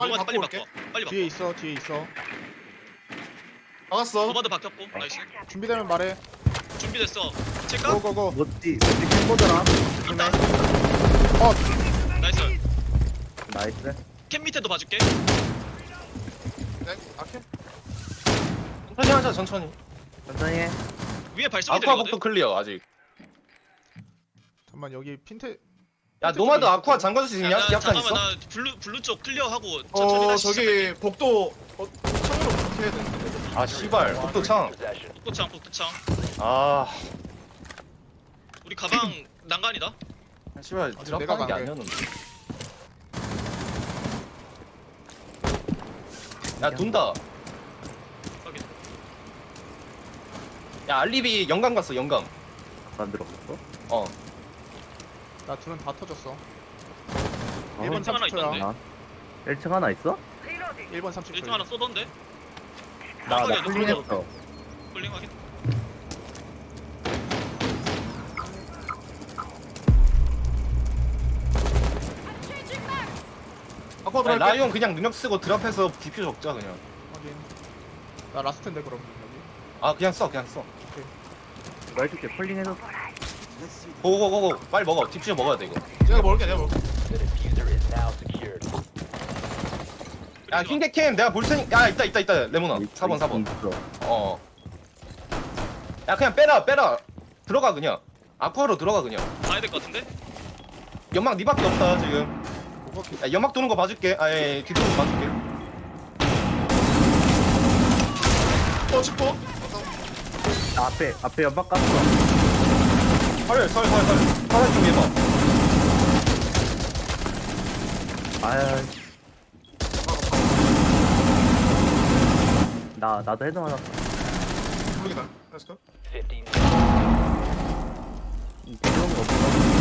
빨리 노마드 빨리 바꿔 올게. 바꿔. 빨리 바꿔. 뒤에 있어 뒤에 있어. 나갔어. 노마드 바뀌었고. 나이스. 준비되면 말해. 준비됐어. 체크. 고고고. 뭐지 캠보더라. 있다. 어 나이스. 나이스. 캠 밑에도 봐줄게. 네. 아케. 천천히 하자 천천히. 천천히 해. 위에 발소리 아쿠아 들리거든. 복도 클리어 아직. 잠만 여기 핀테. 야 노마드 아쿠아 잠가줄 수 있냐? 야, 약간 잠깐만 있어? 나 블루 쪽 클리어하고 천천히 다시 저기 복도 창으로 어떻게 해야 되는데? 아 씨발 복도 창. 복도창. 아 우리 가방 난간이다. 씨발 내가 드랍하는 게 간게. 아니었는데. 야 돈다. 확인. 야 알리비 영광 갔어 영광. 만들었어? 어. 나 둘은 다 터졌어. 어? 1번 1층 하나 30초야. 있던데. 아, 1층 하나 있어? 1번 30초. 1층 하나 쏘던데. 나 확인, 풀링했어. 홀링 확인. 아쿠아 아니, 들어갈게. 라이온 그냥 능력 쓰고 드랍해서 디퓨 적자 그냥. 확인. 나 라스트인데 그럼 여기. 아 그냥 써 그냥 써. 나 해줄게. 풀링해서. 고고고고 빨리 먹어. 디퓨저 먹어야 돼 이거. 내가 먹을게. 내가 먹을게. 야 흰개캠 내가 볼 테니. 야 있다 레모나. 4번. 있어. 어. 야 그냥 빼라. 들어가 그냥. 아쿠아로 들어가 그냥. 가야 될 것 같은데. 연막 니밖에 없다 지금. 오케이. 야 연막 도는 거 봐줄게. 아예 뒤도는 거 봐줄게. 치포. 나 앞에 연막 깠어. 설. 사람 좀 해봐. 아야. 나도 헤드 맞았어. 모르겠다. 렛츠고. 이런 거 없어.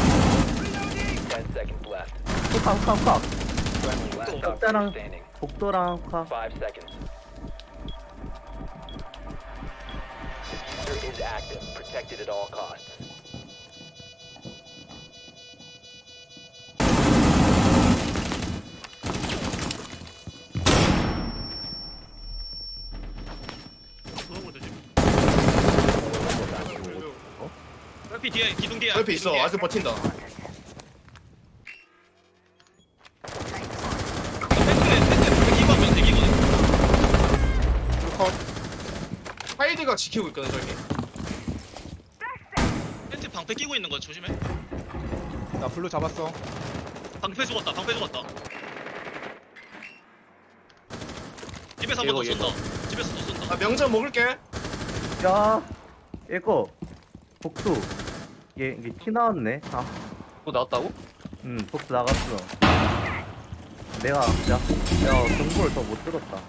카. 복도랑 카. 너무 되지. 옆이 뒤에 기둥 뒤에. 옆에 있어. 아직 버틴다. 펜트 기거면 대기거든. 컷. 하이드가 지키고 있거든 저기. 펜트 방패 끼고 있는 거 조심해. 나 블루 잡았어. 방패 죽었다. 집에서 한 번 더 얘거. 쏜다. 집에서 또 쏜다. 아 명절 먹을게. 야, 이거 복수. 이게 티 나왔네. 아, 또 나왔다고? 복수 나갔어. 내가 정보를 더 못 들었다.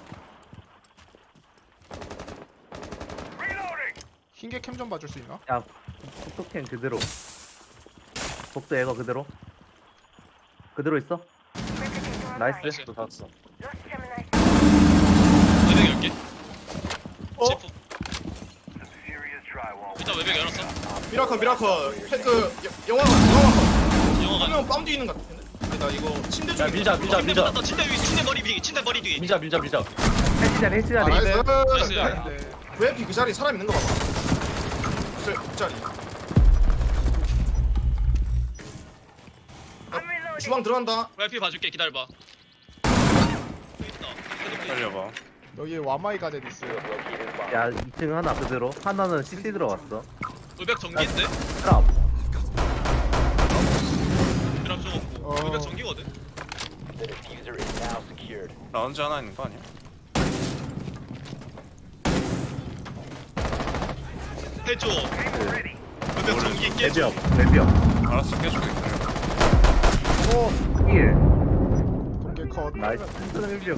흰개 캠 좀 봐줄 수 있나? 야, 복도캔 그대로. 복도 애거 그대로. 그대로 있어? 나이스. 또 샀어. 외벽 열게. 어? 제프. 일단 외벽 열었어. 미라클. 그 영화가 영화가. 한명 빰 뒤에 있는 것 같은데. 근데 나 이거 침대 야 중에. 밀자. 침대 머리 뒤. 침대 머리 뒤. 밀자. 해치 아, 자리. 나이스. 나이스. 근데 VIP 그 자리 사람 있는 거 봐봐. 그 자리. 주방 들어간다. VIP 봐줄게. 기다려봐. 여기 있다. 살려봐. 여기 와마이 가든 있어. 야, 2층 하나 그대로. 하나는 CC 들어갔어. 외벽 전기인데? 트랍. 드랍 좀 없고. 외벽 전기거든. 라운지 하나 있는 거 아니야? 해줘. 외벽 전기 깨줘. 레비업. 알았어, 깨줄게. 오 1. 공개 컷. 나이스. 레비업.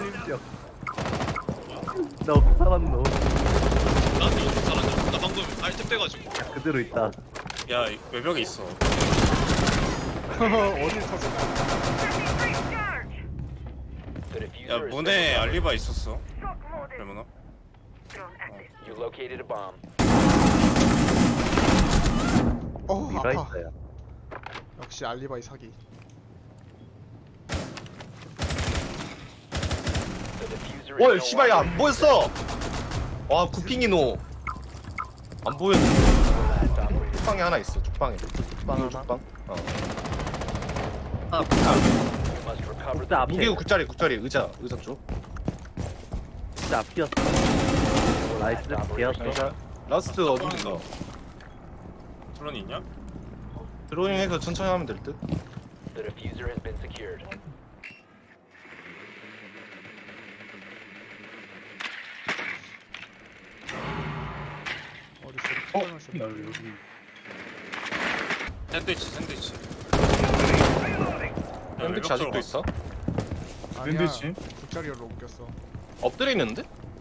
나 살았노. 나한테 엄청 잘하죠. 나 방금 아이템 빼가지고. 그대로 있다. 야, 외벽에 있어. 어디 터졌어? 야, 문에 알리바 있었어. 레모나. 아파. 있어요. 역시 알리바이 사기. 와 씨발 야 안 보였어. 와 구핑이노. 안 보였네. 죽방에 하나 있어. 죽방에. 죽방 하나? 죽방. 어. 아, 진짜 앞에. 무게고 굿자리 의자 쪽. 진짜 앞이었어. 나이스. 개였어. 라스트 어딘가. 플런이 있냐? 드로잉해서 천천히 하면 될 듯. 어디 있어? 샌드위치. 샌드위치 아직도 있어? 아니야. 굿자리로 옮겼어. 엎드려 있는데?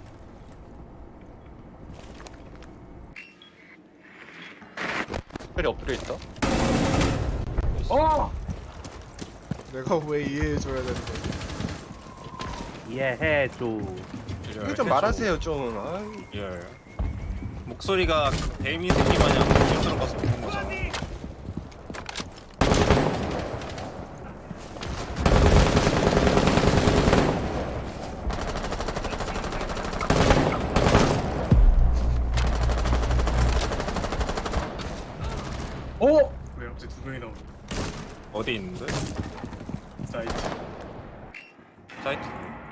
특별히 엎드려 있다. 내가 왜 이해해줘야 되는 거지? 이해해줘. 이거 좀 말하세요 좀. 아이. 예. 목소리가 데미 새끼 마냥 힘들어 가서 그런 거잖아. 왜 갑자기 두 명이 나오냐? 어디 있는데? 사이트. 사이트.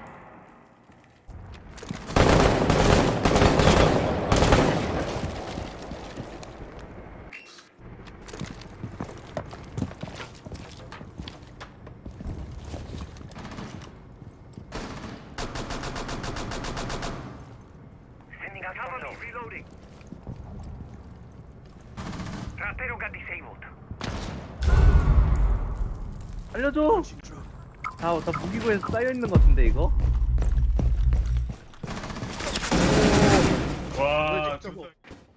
알려줘. 다 무기고에서 쌓여 있는 것 같은데 이거? 와, 직접 진짜.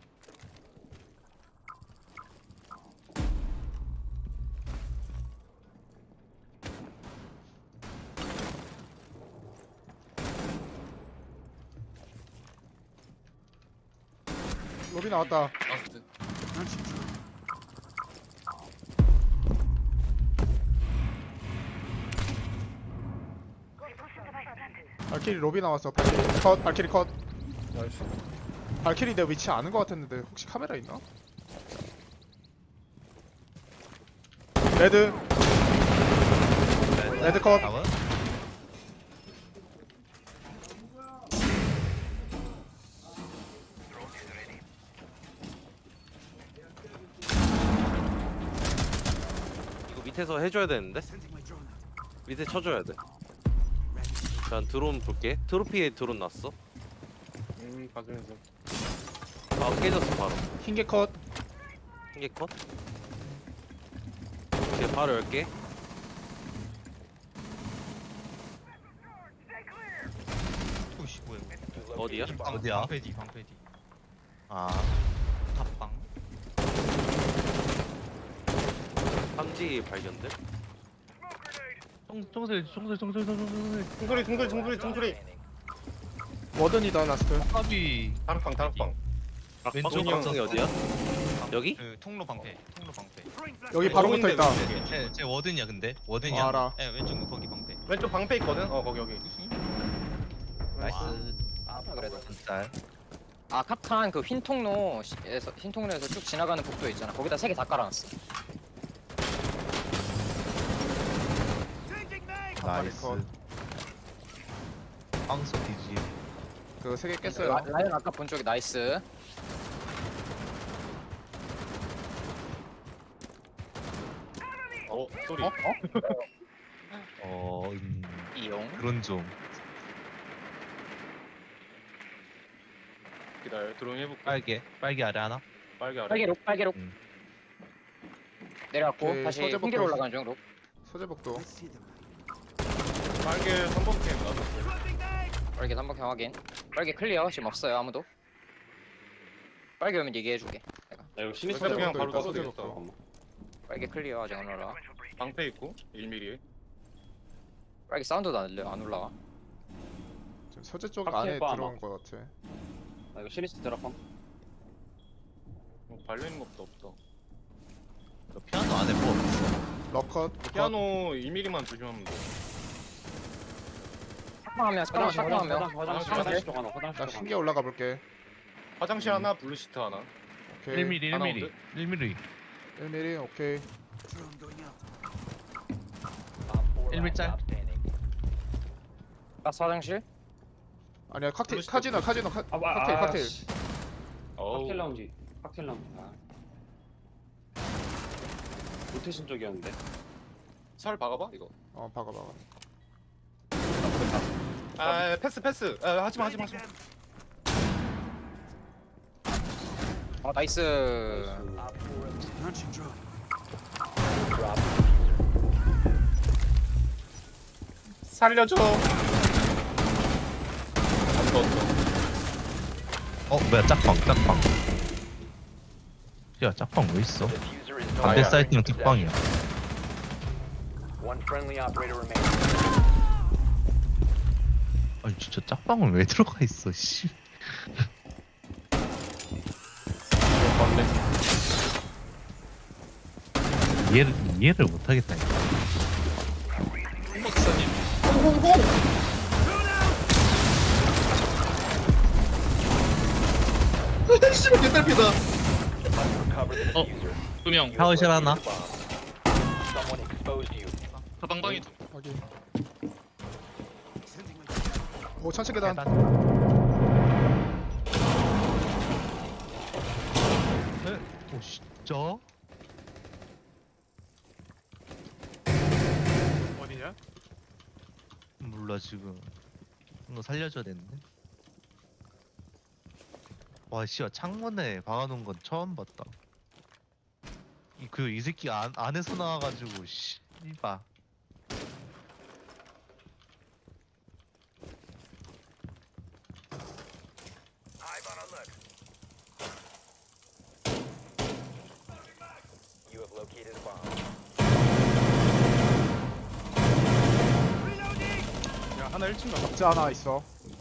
로비 나왔다. 발키리 로비 나왔어. 발키리 컷. 발키리 컷. 나이스. 발키리 내 위치 아는 것 같았는데 혹시 카메라 있나? 레드. 레드 컷. 이거 밑에서 해줘야 되는데? 밑에 쳐줘야 돼. 난 드론 볼게. 트로피에 드론 났어. 박은서. 아 깨졌어 바로. 흰개 컷. 한개 컷. 오케이 바로 열게. 어디야? 어디야? 방패디. 아, 탑방. 삼지 발견돼? 총소리. 통소리. 워든이다 라스트. 탑이 다락방. 왼쪽 방송이 방송이 어디야? 여기? 그 통로 방패. 여기 바로 붙어 있다. 제 워든이야 근데. 워든이야. 알아. 예, 왼쪽 거기 방패. 왼쪽 방패 있거든. 거기. 나이스. 그래도 진짜. 아 카탄 그 흰 통로에서 쭉 지나가는 복도 있잖아. 거기다 3개 다 깔아놨어. 나이스. 황소 디지. 그 3개 깼어요. 라이언 아까 본 쪽이 나이스. 소리. 이용. 그런 좀. 기다려. 드로잉 해볼게. 빨개 아래 하나. 빨개 아래. 빨개록. 내려갔고 오케이, 다시 서재부터 흰기로 올라가는 중. 록. 소재복도. 빨개 3번 캠 놔뒀어. 빨개 3번 확인. 빨개 클리어. 지금 없어요 아무도. 빨개 오면 얘기해줄게. 내가. 나 이거 신입 그냥 소재복도 바로 있다, 떠도 되겠다. 소재복도. 빨개 클리어 아직 안 올라가. 방패 있고 1mm에. 빨개 사운드도 안 들려. 안 올라가. 지금 소재 쪽 확실히 안에 봐, 아마. 들어온 것 같아. 나 이거 시리스 드랍함. 발려있는 것도 없다. 피아노 안에 뭐 없어. 럭컷. 피아노 1mm만 조심하면 돼. 샷방하면 샷방하면 나 신기 올라가 볼게. 화장실 하나, 블루시트 하나. 오케이. 1mm 하나 1mm 1mm 1mm 오케이. 1mm 라스 화장실 아니야 칵테일 블루시트. 카지노 칵테일. 어우. 라운지 칵테일 라운지 로테이션 쪽이었는데 살 박아봐 이거. 박아. 아 패스. 하지마. 나이스 살려줘. 뭐야 짝방 야 짝방 왜 있어? 반대 사이트는 짝방이야. 아니 진짜 짝방은 왜 들어가 있어 씨. 이해를 못하겠다. 박사님. 씨발 개딸피다. 2명. 샤워실 하나. 가방방이 확인. 오 천체 계단. 오 진짜? 어디냐? 몰라 지금. 너 살려줘야 되는데. 와 씨야 창문에 박아놓은 건 처음 봤다. 이 새끼 안에서 나와가지고 씨발. 야 하나 1층 가. 박자 하나 있어.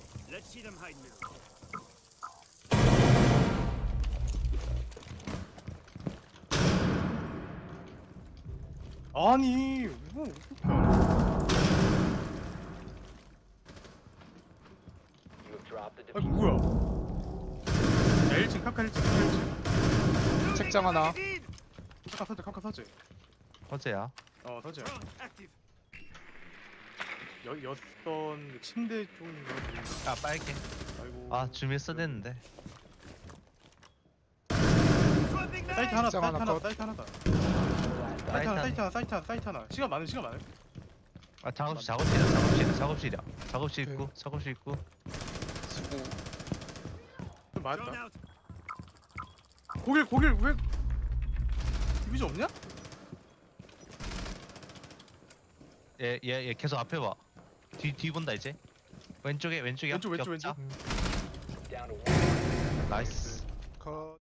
아니 뭐 어떻게 하냐? 아니 뭐야? 야 1층 카카 1층. 책장 하나. 카카 서재. 어제야. 서재. 였던 침대 쪽인가? 아 빨개. 아이고. 아 준비했어야 됐는데. 사이트 하나, 책장 하나 컷. 사이트 하나다. 사이트 사이트 하나. 시간 많은. 아 작업실이야. 작업실 있고 작업실 있고. 맞다. 고길 왜 디비전 없냐? 얘 계속 앞에 봐. 뒤 본다 이제. 왼쪽이야. 왼쪽. 나이스. 컷.